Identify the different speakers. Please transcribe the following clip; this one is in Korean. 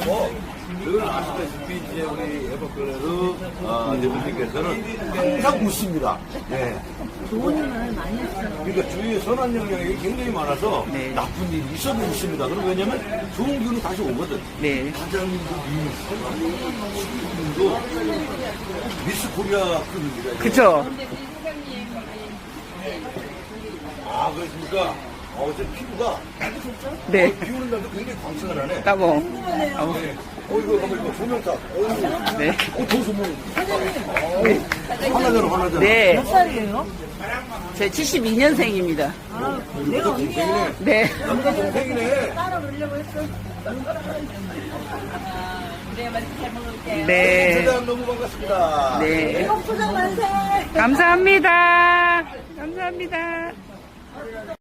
Speaker 1: 여러분 아시다시피 이제 우리 에버클레르 대표님께서는 항상 웃습니다. 네.
Speaker 2: 좋은 일을 많이 했어요.
Speaker 1: 그러니까 주위에 선한 영향이 굉장히 많아서
Speaker 3: 네.
Speaker 1: 나쁜 일이 있어도 있습니다. 그럼 왜냐면 좋은 기운이 다시 오거든.
Speaker 3: 네.
Speaker 1: 사장님도 시민도 미스 코리아 급입니다.
Speaker 3: 그쵸?
Speaker 1: 아, 그렇습니까? 어제 피부가
Speaker 3: 네.
Speaker 1: 비 오는 날도 굉장히 광채가 나네.
Speaker 3: 따봉.
Speaker 1: 네. 이거 가만 이거 조명탑.
Speaker 3: 네.
Speaker 1: 더 조명. 하나잖아.
Speaker 3: 네.
Speaker 2: 몇 살이에요?
Speaker 3: 제 72년생입니다.
Speaker 2: 아, 내가 언니야.
Speaker 3: 네.
Speaker 1: 남자 동생이네.
Speaker 2: 따라 놀려고 했어.
Speaker 3: 네.
Speaker 1: 대단 너무 반갑습니다.
Speaker 3: 네.
Speaker 2: 포장 만세!
Speaker 3: 감사합니다. 감사합니다.